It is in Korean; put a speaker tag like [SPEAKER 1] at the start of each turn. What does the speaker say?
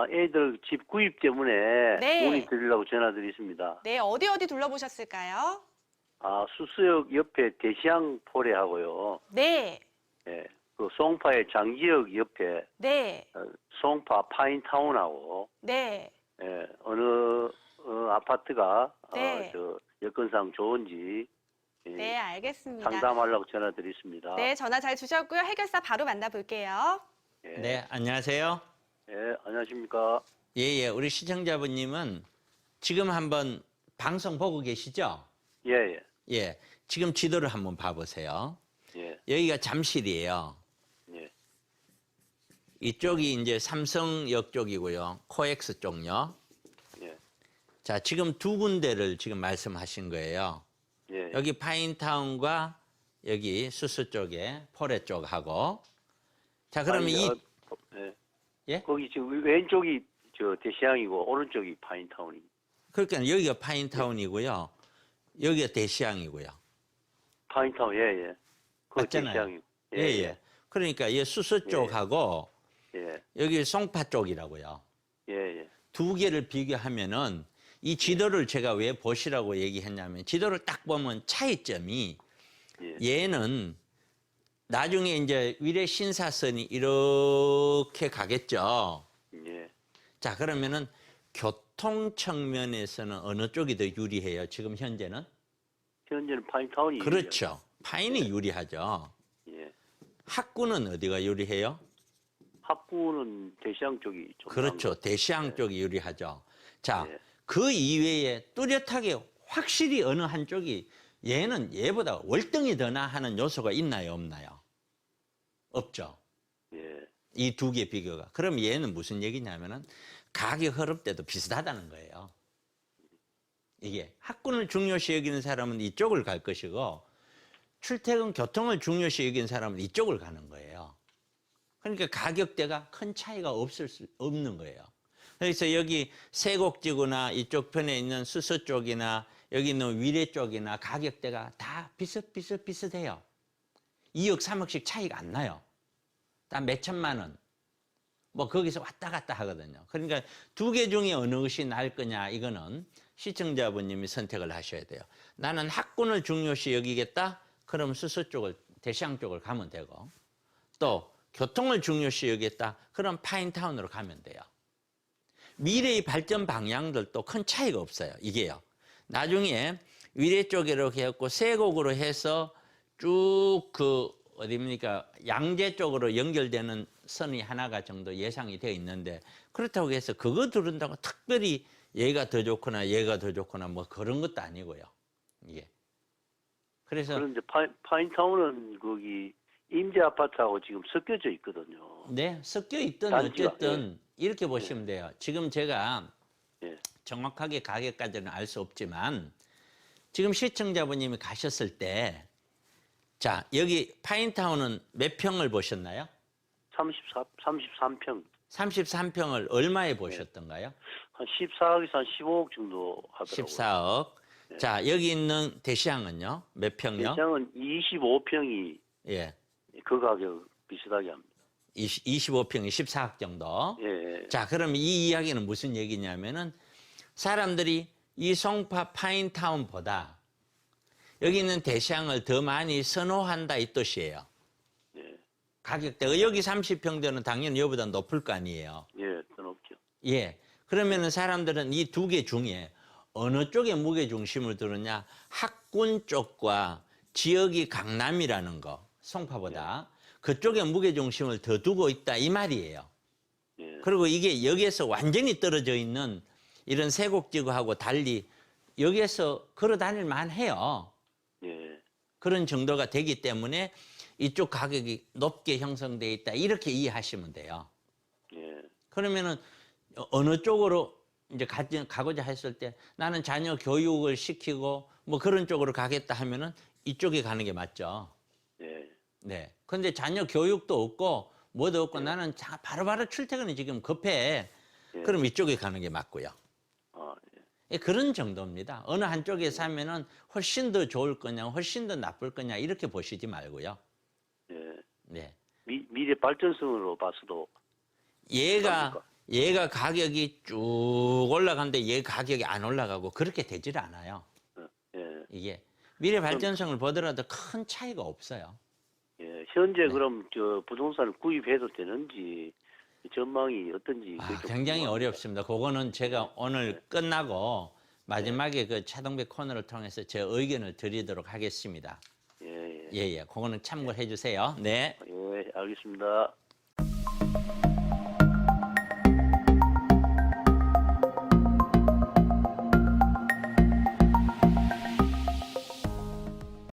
[SPEAKER 1] 애들 집 구입 때문에
[SPEAKER 2] 네.
[SPEAKER 1] 문의 드리려고 전화드렸습니다.
[SPEAKER 2] 네, 어디 둘러보셨을까요?
[SPEAKER 1] 수수역 옆에 대시양 포레하고요.
[SPEAKER 2] 네,
[SPEAKER 1] 예, 그 송파의 장지역 옆에
[SPEAKER 2] 네,
[SPEAKER 1] 송파 파인타운하고
[SPEAKER 2] 네,
[SPEAKER 1] 어느 아파트가
[SPEAKER 2] 네.
[SPEAKER 1] 여건상 좋은지
[SPEAKER 2] 네, 알겠습니다.
[SPEAKER 1] 상담하려고 전화드렸습니다.
[SPEAKER 2] 네, 전화 잘 주셨고요. 해결사 바로 만나볼게요.
[SPEAKER 1] 예,
[SPEAKER 3] 네, 안녕하세요.
[SPEAKER 1] 예, 안녕하십니까?
[SPEAKER 3] 예, 우리 시청자분님은 지금 한번 방송 보고 계시죠?
[SPEAKER 1] 예, 예,
[SPEAKER 3] 예, 지금 지도를 한번 봐보세요.
[SPEAKER 1] 예,
[SPEAKER 3] 여기가 잠실이에요.
[SPEAKER 1] 예,
[SPEAKER 3] 이쪽이 이제 삼성역 쪽이고요. 코엑스 쪽요.
[SPEAKER 1] 예,
[SPEAKER 3] 자, 지금 두 군데를 지금 말씀하신 거예요.
[SPEAKER 1] 예.
[SPEAKER 3] 여기 파인타운과 여기 수수 쪽에 포레 쪽하고. 자, 그러면
[SPEAKER 1] 예.
[SPEAKER 3] 예?
[SPEAKER 1] 거기 지금 왼쪽이 대시양이고 오른쪽이 파인타운이.
[SPEAKER 3] 그러니까 여기가 파인타운이고요. 여기가 대시양이고요.
[SPEAKER 1] 파인타운, 예, 예. 그
[SPEAKER 3] 맞잖아요.
[SPEAKER 1] 대시양이고.
[SPEAKER 3] 예. 그러니까 이 수수 쪽하고
[SPEAKER 1] 예,
[SPEAKER 3] 여기 송파 쪽이라고요.
[SPEAKER 1] 예, 예.
[SPEAKER 3] 두 개를 비교하면은 이 지도를 제가 왜 보시라고 얘기했냐면 지도를 딱 보면 차이점이
[SPEAKER 1] 예.
[SPEAKER 3] 얘는 나중에 이제 위례 신사선이 이렇게 가겠죠.
[SPEAKER 1] 예.
[SPEAKER 3] 자, 그러면은 교통 측면에서는 어느 쪽이 더 유리해요? 지금 현재는?
[SPEAKER 1] 현재는 파인타운이.
[SPEAKER 3] 그렇죠. 파인이 유리하죠.
[SPEAKER 1] 예.
[SPEAKER 3] 학구는 어디가 유리해요?
[SPEAKER 1] 학구는 대시양 쪽이 좀.
[SPEAKER 3] 그렇죠. 대시양 쪽이 유리하죠. 자,
[SPEAKER 1] 예.
[SPEAKER 3] 그 이외에 뚜렷하게 확실히 어느 한쪽이 얘는 얘보다 월등히 더 나하는 요소가 있나요, 없나요? 없죠.
[SPEAKER 1] 예.
[SPEAKER 3] 이 두 개 비교가. 그럼 얘는 무슨 얘기냐면은 가격 흐름 때도 비슷하다는 거예요. 이게 학군을 중요시 여기는 사람은 이쪽을 갈 것이고 출퇴근 교통을 중요시 여기는 사람은 이쪽을 가는 거예요. 그러니까 가격대가 큰 차이가 없는 거예요. 그래서 여기 세곡지구나 이쪽 편에 있는 수서 쪽이나 여기 있는 위례 쪽이나 가격대가 다 비슷해요. 2억, 3억씩 차이가 안 나요. 다 몇천만 원. 뭐 거기서 왔다 갔다 하거든요. 그러니까 두 개 중에 어느 것이 나을 거냐 이거는 시청자분님이 선택을 하셔야 돼요. 나는 학군을 중요시 여기겠다. 그럼 수서 쪽을 대시양 쪽을 가면 되고 또 교통을 중요시 여기겠다. 그럼 파인타운으로 가면 돼요. 미래의 발전 방향들도 큰 차이가 없어요. 이게요. 나중에 위례 쪽으로 해갖고 세곡으로 해서 쭉 어디입니까? 양재 쪽으로 연결되는 선이 하나가 정도 예상이 되어 있는데 그렇다고 해서 그거 들은다고 특별히 얘가 더 좋거나 얘가 더 좋거나 뭐 그런 것도 아니고요. 이게. 그래서
[SPEAKER 1] 그런데 파인타운은 거기 임대 아파트하고 지금 섞여져 있거든요.
[SPEAKER 3] 네, 섞여 있든
[SPEAKER 1] 단지가,
[SPEAKER 3] 어쨌든 이렇게 보시면 돼요. 지금 제가
[SPEAKER 1] 예.
[SPEAKER 3] 정확하게 가격까지는 알 수 없지만 지금 시청자분님이 가셨을 때 자, 여기 파인타운은 몇 평을 보셨나요?
[SPEAKER 1] 33평.
[SPEAKER 3] 33평을 얼마에 보셨던가요?
[SPEAKER 1] 한 14억에서 한 15억 정도 하더라고요.
[SPEAKER 3] 14억. 자, 여기 있는 대시양은요? 몇 평요?
[SPEAKER 1] 대시양은 25평이
[SPEAKER 3] 예.
[SPEAKER 1] 그 가격 비슷하게 합니다.
[SPEAKER 3] 25평이 14억 정도.
[SPEAKER 1] 예.
[SPEAKER 3] 자, 그럼 이 이야기는 무슨 얘기냐면은 사람들이 이 송파 파인타운보다 여기 있는 대시양을 더 많이 선호한다 이 뜻이에요.
[SPEAKER 1] 예.
[SPEAKER 3] 가격대가 여기 30평대는 당연히 여기보다 높을 거 아니에요.
[SPEAKER 1] 예, 더 높죠.
[SPEAKER 3] 예. 그러면은 사람들은 이 두 개 중에 어느 쪽에 무게 중심을 두느냐? 학군 쪽과 지역이 강남이라는 거, 송파보다 그쪽에 무게 중심을 더 두고 있다 이 말이에요.
[SPEAKER 1] 예.
[SPEAKER 3] 그리고 이게 여기에서 완전히 떨어져 있는 이런 세곡지구하고 달리 여기에서 걸어 다닐 만해요.
[SPEAKER 1] 예.
[SPEAKER 3] 그런 정도가 되기 때문에 이쪽 가격이 높게 형성되어 있다 이렇게 이해하시면 돼요.
[SPEAKER 1] 예.
[SPEAKER 3] 그러면은 어느 쪽으로 이제 가고자 했을 때 나는 자녀 교육을 시키고 뭐 그런 쪽으로 가겠다 하면은 이쪽에 가는 게 맞죠.
[SPEAKER 1] 예.
[SPEAKER 3] 네. 근데 자녀 교육도 없고 뭐도 없고 나는 바로바로 출퇴근이 지금 급해.
[SPEAKER 1] 예.
[SPEAKER 3] 그럼 이쪽에 가는 게 맞고요.
[SPEAKER 1] 아, 예.
[SPEAKER 3] 예, 그런 정도입니다. 어느 한쪽에 사면은 훨씬 더 좋을 거냐, 훨씬 더 나쁠 거냐 이렇게 보시지 말고요.
[SPEAKER 1] 예.
[SPEAKER 3] 네.
[SPEAKER 1] 미래 발전성으로 봐서도
[SPEAKER 3] 얘가 얘가 가격이 쭉 올라가는데 얘 가격이 안 올라가고 그렇게 되질 않아요.
[SPEAKER 1] 예.
[SPEAKER 3] 이게 미래 발전성을 보더라도 큰 차이가 없어요.
[SPEAKER 1] 예. 현재 그럼 저 부동산을 구입해도 되는지 전망이 어떤지 그게 좀
[SPEAKER 3] 굉장히
[SPEAKER 1] 궁금합니다.
[SPEAKER 3] 어렵습니다. 그거는 제가 오늘 끝나고 마지막에 그 차동배 코너를 통해서 제 의견을 드리도록 하겠습니다.
[SPEAKER 1] 예, 예.
[SPEAKER 3] 예, 예. 그거는 참고해 주세요. 네.
[SPEAKER 1] 예, 알겠습니다.